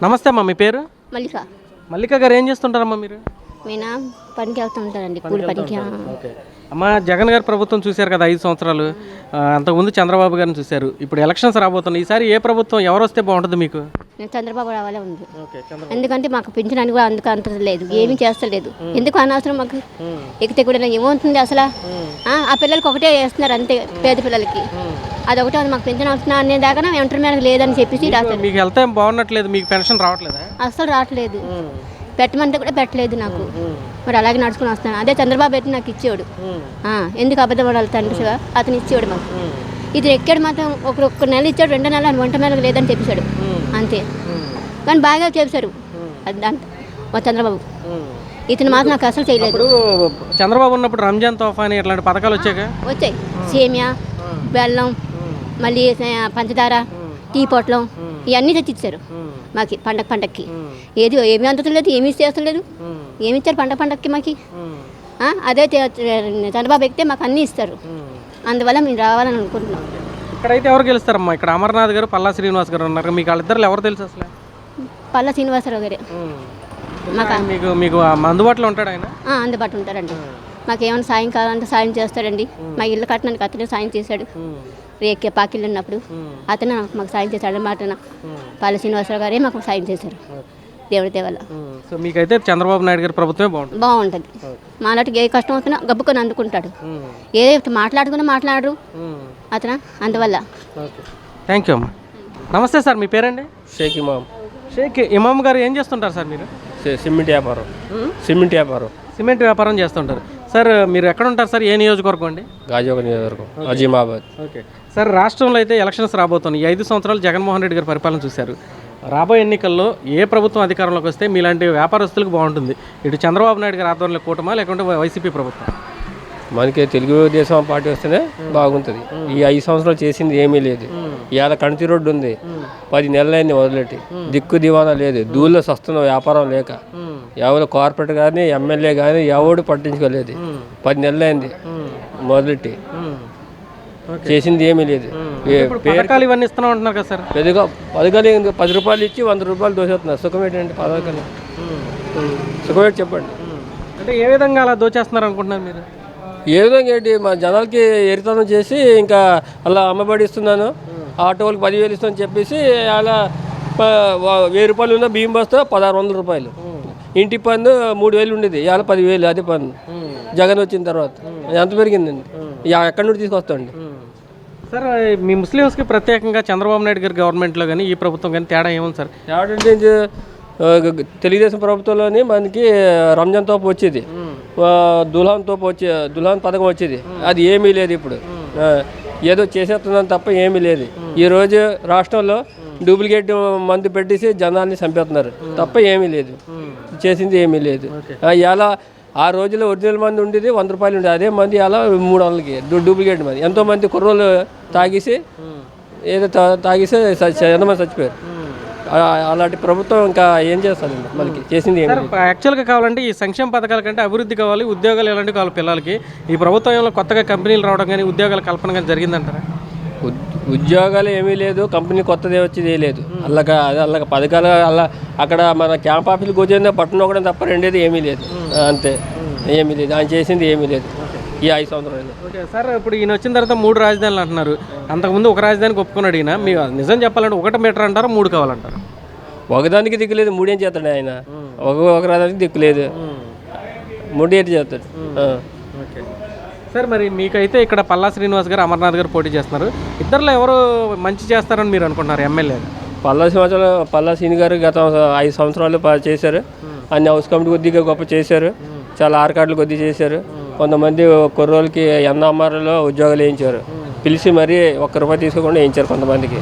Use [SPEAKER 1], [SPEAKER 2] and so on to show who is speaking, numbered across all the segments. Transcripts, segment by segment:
[SPEAKER 1] నమస్తే అమ్మా, మీ పేరు?
[SPEAKER 2] మల్లిక.
[SPEAKER 1] మల్లిక గారు ఏం చేస్తుంటారమ్మా మీరు?
[SPEAKER 2] నేను పనికి వెళ్తూ ఉంటానండి, కూలి పనికి.
[SPEAKER 1] ఓకే అమ్మ, జగన్ గారి ప్రభుత్వం చూశారు కదా 5 సంవత్సరాలు. అంతకుముందు చంద్రబాబు గారిని చూశారు. ఇప్పుడు ఎలక్షన్స్ రాబోతున్నాయి. ఈసారి ఏ ప్రభుత్వం ఎవరు వస్తే బాగుంటుంది మీకు?
[SPEAKER 2] నేను చంద్రబాబు రావాలే ఉంది. ఎందుకంటే మాకు పింఛన్ కూడా అందుకు అంత లేదు, ఏమీ చేస్తలేదు. ఎందుకు అనవసరం మాకు ఎక్కితే కూడా ఏమవుతుంది అసలు? ఆ పిల్లలకి ఒకటే వేస్తున్నారు అంతే, పేద పిల్లలకి. అదొకటే మాకు పెన్షన్ వస్తున్నా అనే దాకా ఇంటర్మీడియట్ లేదని చెప్పేసి రాస్తారు.
[SPEAKER 1] మీకు హెల్త్ ఏం బాగున్నట్లేదు, మీకు పెన్షన్ రావట్లేదా?
[SPEAKER 2] అసలు రావట్లేదు, పెట్టమంటే కూడా పెట్టలేదు నాకు. మరి అలాగే నడుచుకుని వస్తాను. అదే చంద్రబాబు అయితే నాకు ఇచ్చేవాడు. ఎందుకు అబద్ధం పడాలి తండ్రిగా, అతను ఇచ్చేవాడు మాకు. ఇది ఎక్కాడు మాత్రం ఒక నెల ఇచ్చాడు, 2 నెలలు వంట మీద లేదని చెప్పేశాడు అంతే. కానీ బాగా చేశారు మా చంద్రబాబు. ఇతను మాత్రం నాకు అసలు చేయలేదు.
[SPEAKER 1] చంద్రబాబు ఉన్నప్పుడు రంజాన్ తోఫా అని ఇట్లాంటి పథకాలు వచ్చాయి. సేమియా, బెల్లం, మళ్ళీ పంచదార, టీ పొట్లం ఇవన్నీ తెచ్చిచ్చారు మాకు పండక్కి. ఏమీ అందుతలేదు, ఏమీ చేస్తలేదు. ఏమి ఇచ్చారు పండక్కి మాకు? అదే చంద్రబాబు ఎక్కితే మాకు అన్నీ ఇస్తారు. అందువల్ల మేము రావాలని అనుకుంటున్నాం. ఇక్కడైతే ఎవరు గెలుస్తారమ్మా? ఇక్కడ అమర్నాథ్ గారు, పల్లా శ్రీనివాస్ గారు ఉన్నారు. మీకు వాళ్ళిద్దరు ఎవరు తెలుసు అసలు?
[SPEAKER 2] పల్లా శ్రీనివాసరావు గారే
[SPEAKER 1] మీకు అందుబాటులో ఉంటాడు ఆయన?
[SPEAKER 2] అందుబాటులో ఉంటారండి. మాకు ఏమైనా సాయం కావాలంటే సాయం చేస్తాడండి. మా ఇల్లు కట్టడానికి అతనే సాయం చేశాడు. రేకే పాకిళ్ళు ఉన్నప్పుడు అతను మాకు సాయం చేశాడు అన్నమాట. పల్లా శ్రీనివాసరావు గారే మాకు సాయం చేశారు దేవుడి దేవల్ల.
[SPEAKER 1] సో మీకైతే చంద్రబాబు నాయుడు గారి ప్రభుత్వమే బాగుంటుంది.
[SPEAKER 2] మాలాంటికి ఏ కష్టం వస్తున్నా గబ్బుకొని అందుకుంటాడు. ఏ మాట్లాడుకున్నా మాట్లాడరు అతను, అందువల్ల.
[SPEAKER 1] థ్యాంక్ యూ అమ్మా. నమస్తే సార్, మీ పేరండి?
[SPEAKER 3] షేక్ ఇమామ్.
[SPEAKER 1] షేక్ ఇమామ్ గారు ఏం చేస్తుంటారు సార్ మీరు?
[SPEAKER 3] సిమెంట్ వ్యాపారం.
[SPEAKER 1] సిమెంట్ వ్యాపారం చేస్తుంటారు సార్. మీరు ఎక్కడ ఉంటారు సార్? ఏ నియోజకవర్గం అండి?
[SPEAKER 3] గాజువాక నియోజకవర్గం, అజీమాబాద్.
[SPEAKER 1] ఓకే సార్, రాష్ట్రంలో అయితే ఎలక్షన్స్ రాబోతున్నాయి. 5 సంవత్సరాలు జగన్మోహన్ రెడ్డి గారి పరిపాలన చూశారు. రాబోయే ఎన్నికల్లో ఏ ప్రభుత్వం అధికారంలోకి వస్తే మీలాంటి వ్యాపారస్తులకు బాగుంటుంది? ఇటు చంద్రబాబు నాయుడు గారి ఆధ్వర్యంలో కూటమా, లేకుంటే వైసీపీ ప్రభుత్వం?
[SPEAKER 3] మనకి తెలుగుదేశం పార్టీ వస్తేనే బాగుంటుంది. ఈ 5 సంవత్సరాలు చేసింది ఏమీ లేదు. ఇవాళ కణితి రోడ్డు ఉంది, 10 నెలలైంది వదిలేటి. దిక్కు దివానా లేదు, దూళ్ళో సస్తున్న వ్యాపారం లేక. ఎవరు కార్పొరేట్ కానీ ఎమ్మెల్యే కానీ ఎవడు పట్టించుకోలేదు. 10 నెలలైంది మొదలెట్టి, చేసింది ఏమీ లేదు.
[SPEAKER 1] పథకాలు ఇవన్నీ ఇస్తున్నా ఉంటున్నారు కదా సార్?
[SPEAKER 3] పెద్దగా పథకాలు 10 రూపాయలు ఇచ్చి 100 రూపాయలు దోచేస్తున్నారు. సుఖం ఏంటంటే పథకాలు? సుఖం ఏంటి చెప్పండి.
[SPEAKER 1] అంటే ఏ విధంగా అలా దోచేస్తున్నారు అనుకుంటున్నారు మీరు?
[SPEAKER 3] ఏ విధంగా ఏంటి, మా జనాలకి ఎరితనం చేసి ఇంకా అలా అమ్మబడి ఇస్తున్నాను, ఆటో వాళ్ళకి 10,000 ఇస్తాను చెప్పేసి అలా 1000 రూపాయలు ఉన్న బియ్యం బస్తా 1600 రూపాయలు. ఇంటి పన్ను 3000 ఉండేది, ఇవాళ 10,000. అదే పన్ను జగన్ వచ్చిన తర్వాత ఎంత పెరిగిందండి? ఎక్కడి నుండి తీసుకొస్తాండి
[SPEAKER 1] సార్? మీ ముస్లిమ్స్కి ప్రత్యేకంగా చంద్రబాబు నాయుడు గారి గవర్నమెంట్లో కానీ ఈ ప్రభుత్వం కానీ తేడా ఏముంది సార్?
[SPEAKER 3] తేడా అంటే తెలుగుదేశం ప్రభుత్వంలోని మనకి రంజాన్ తోపు వచ్చేది, దుల్హాన్ పథకం వచ్చేది. అది ఏమీ లేదు ఇప్పుడు. ఏదో చేసేస్తున్నాను తప్ప ఏమీ లేదు. ఈరోజు రాష్ట్రంలో డూప్లికేట్ మందు పెట్టేసి జనాల్ని చంపేస్తున్నారు తప్ప ఏమీ లేదు. చేసింది ఏమీ లేదు. ఇలా ఆ రోజుల్లో ఒరిజినల్ మంది ఉండేది 100 రూపాయలు ఉండేది, అదే మంది అలా 300కి డూప్లికేట్ మంది. ఎంతోమంది కుర్రోళ్ళు తాగేసి ఎంతమంది చచ్చిపోయారు. అలాంటి ప్రభుత్వం ఇంకా ఏం చేస్తుంది మనకి? చేసింది ఏమి?
[SPEAKER 1] యాక్చువల్గా కావాలంటే ఈ సంక్షేమ పథకాల కంటే అభివృద్ధి కావాలి, ఉద్యోగాలు ఎలాంటివి కావాలి పిల్లలకి. ఈ ప్రభుత్వంలో కొత్తగా కంపెనీలు రావడం కానీ ఉద్యోగాల కల్పన కానీ జరిగిందంటారా?
[SPEAKER 3] ఉద్యోగాలు ఏమీ లేదు, కంపెనీ కొత్తదే వచ్చేది లేదు. అల్లక పథకాలు అక్కడ మన క్యాంప్ ఆఫీసులు కూర్చొని పట్టణం ఒకటి తప్ప రెండేది ఏమీ లేదు. అంతే, ఏమీ లేదు. ఆయన చేసింది ఏమీ లేదు ఈ 5 సంవత్సరాలు.
[SPEAKER 1] ఓకే సార్, ఇప్పుడు ఈయన వచ్చిన తర్వాత 3 రాజధానులు అంటున్నారు. అంతకుముందు ఒక రాజధానికి ఒప్పుకున్నాడు ఈయన. మీ నిజం చెప్పాలంటే 1 మీటర్ అంటారా, 3 కావాలంటారు?
[SPEAKER 3] ఒకదానికి దిక్కులేదు, 3 ఏం చేస్తాడు ఆయన? ఒక రాజధానికి దిక్కులేదు, 3 ఏంటి చేస్తాడు?
[SPEAKER 1] ఓకే సార్, మరి మీకైతే ఇక్కడ పల్లా శ్రీనివాస్ గారు, అమర్నాథ్ గారు పోటీ చేస్తున్నారు. ఇద్దరులో ఎవరు మంచి చేస్తారని మీరు అనుకుంటున్నారు ఎమ్మెల్యే?
[SPEAKER 3] పల్లా శ్రీని గారు గత 5 సంవత్సరాలు చేశారు. అన్ని హౌస్ కమిటీ కొద్దిగా గొప్ప చేశారు, చాలా ఆర్కార్డులు కొద్ది చేశారు. కొంతమంది కుర్రోళ్ళకి ఎన్ఆర్ఆర్లో ఉద్యోగాలు వేయించారు, పిలిచి మరీ 1 రూపాయి తీసుకోకుండా వేయించారు కొంతమందికి.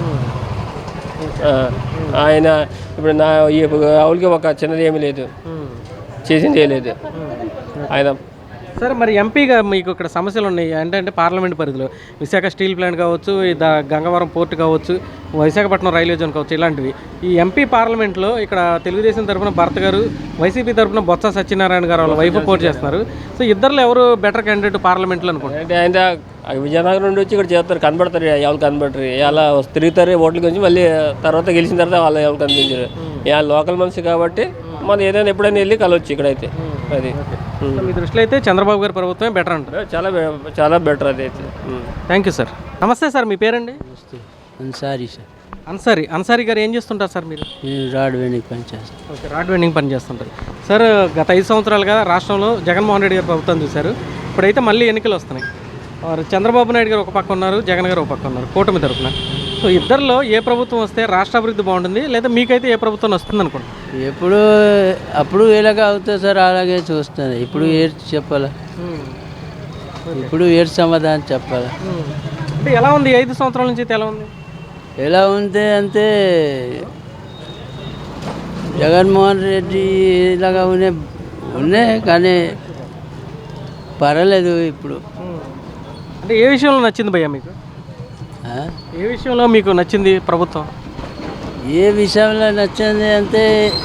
[SPEAKER 3] ఆయన ఇప్పుడు వాళ్ళకి ఒక చిన్నది ఏమీ లేదు, చేసింది ఏ లేదు. ఆయన
[SPEAKER 4] సరే మరి ఎంపీగా మీకు ఇక్కడ సమస్యలు ఉన్నాయి అంటే పార్లమెంట్ పరిధిలో విశాఖ స్టీల్ ప్లాంట్ కావచ్చు, గంగవరం పోర్ట్ కావచ్చు, విశాఖపట్నం రైల్వే జోన్ కావచ్చు, ఇలాంటివి ఈ ఎంపీ పార్లమెంట్లో ఇక్కడ తెలుగుదేశం తరఫున భర్త గారు, వైసీపీ తరఫున బొత్స సత్యనారాయణ గారు వాళ్ళ వైఫ్ పోటీ చేస్తున్నారు. సో ఇద్దరులో ఎవరు బెటర్ క్యాండిడేట్ పార్లమెంట్లో అనుకుంటారు?
[SPEAKER 3] అంటే ఆయన విజయనగరం నుండి వచ్చి ఇక్కడ చేస్తారు, కనబడతారు, ఎవరు కనబడరు, ఇలా తిరుగుతారు ఓట్ల గురించి, మళ్ళీ తర్వాత గెలిచిన తర్వాత వాళ్ళు ఎవరు కనిపించారు. ఇలా లోకల్ మనిషి కాబట్టి మనం ఏదైనా ఎప్పుడైనా వెళ్ళి కలవచ్చు ఇక్కడైతే. అది
[SPEAKER 4] మీ దృష్టిలో అయితే చంద్రబాబు గారి ప్రభుత్వమే బెటర్ అంటారు.
[SPEAKER 3] చాలా బెటర్ అది అయితే.
[SPEAKER 4] Thank you sir. నమస్తే సార్, మీ పేరండి?
[SPEAKER 5] అన్సారీ సార్.
[SPEAKER 4] అన్సారీ గారు ఏం చేస్తుంటారు సార్ మీరు?
[SPEAKER 5] నేను రాడ్ వెండింగ్ పని చేస్తాను.
[SPEAKER 4] ఓకే, రాడ్ వెండింగ్ పని చేస్తుంటారు సార్. గత 5 సంవత్సరాలుగా రాష్ట్రంలో జగన్మోహన్ రెడ్డి గారు ప్రభుత్వం చూశారు. ఇప్పుడైతే మళ్ళీ ఎన్నికలు వస్తున్నాయి. చంద్రబాబు నాయుడు గారు ఒక పక్క ఉన్నారు, జగన్ గారు ఒక పక్క ఉన్నారు కూటమి తరఫున. సో ఇద్దరిలో ఏ ప్రభుత్వం వస్తే రాష్ట్ర అభివృద్ధి బాగుంటుంది, లేదా మీకైతే ఏ ప్రభుత్వం వస్తుంది అనుకుంటున్నారు?
[SPEAKER 5] అప్పుడు ఎలాగ అవుతుంది సార్, అలాగే చూస్తాను. ఇప్పుడు ఏడు చెప్పాలా, ఇప్పుడు ఏడు సమాధానం చెప్పాలా.
[SPEAKER 4] అంటే ఎలా ఉంది 5 సంవత్సరాల నుంచి అయితే ఎలా ఉంది?
[SPEAKER 5] ఎలా ఉంది అంటే జగన్మోహన్ రెడ్డి ఇలాగా ఉన్నాయి కానీ పర్వాలేదు ఇప్పుడు.
[SPEAKER 4] అంటే ఏ విషయంలో నచ్చింది భయ్యా మీకు? ఏ విషయంలో మీకు నచ్చింది ప్రభుత్వం?
[SPEAKER 5] ఏ విషయంలో నచ్చింది అంటే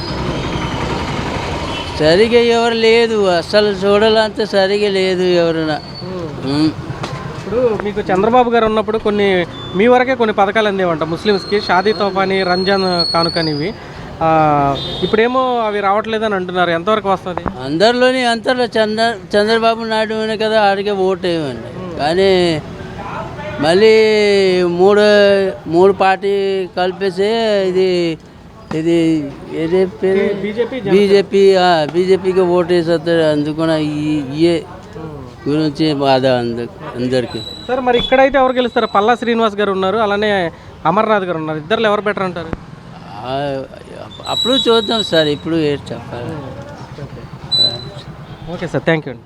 [SPEAKER 5] సరిగా ఎవరు లేదు, అసలు చూడాలంటే సరిగా లేదు ఎవరైనా.
[SPEAKER 4] ఇప్పుడు మీకు చంద్రబాబు గారు ఉన్నప్పుడు మీ వరకే కొన్ని పథకాలు అందేవంట ముస్లిమ్స్కి, షాదీ తోఫాని, రంజాన్ కానుకని. ఇవి ఇప్పుడేమో అవి రావట్లేదని అంటున్నారు, ఎంతవరకు వస్తుంది?
[SPEAKER 5] అందరిలో చంద్రబాబు నాయుడు అనే కదా ఆడికే ఓటు వేయమండి. కానీ మళ్ళీ మూడు పార్టీ కలిపేసి ఇది ఏదే పేరు బీజేపీకి ఓటు వేసేస్తారు. అందుకని ఇయే గురించి బాధ అందరికి.
[SPEAKER 4] సార్ మరి ఇక్కడైతే ఎవరు గెలుస్తారు? పల్లా శ్రీనివాస్ గారు ఉన్నారు, అలానే అమర్నాథ్ గారు ఉన్నారు. ఇద్దరు ఎవరు బెటర్ అంటారు?
[SPEAKER 5] అప్పుడు చూద్దాం సార్, ఇప్పుడు ఏం చెప్పాలి.
[SPEAKER 4] ఓకే సార్, థ్యాంక్ యూ అండి.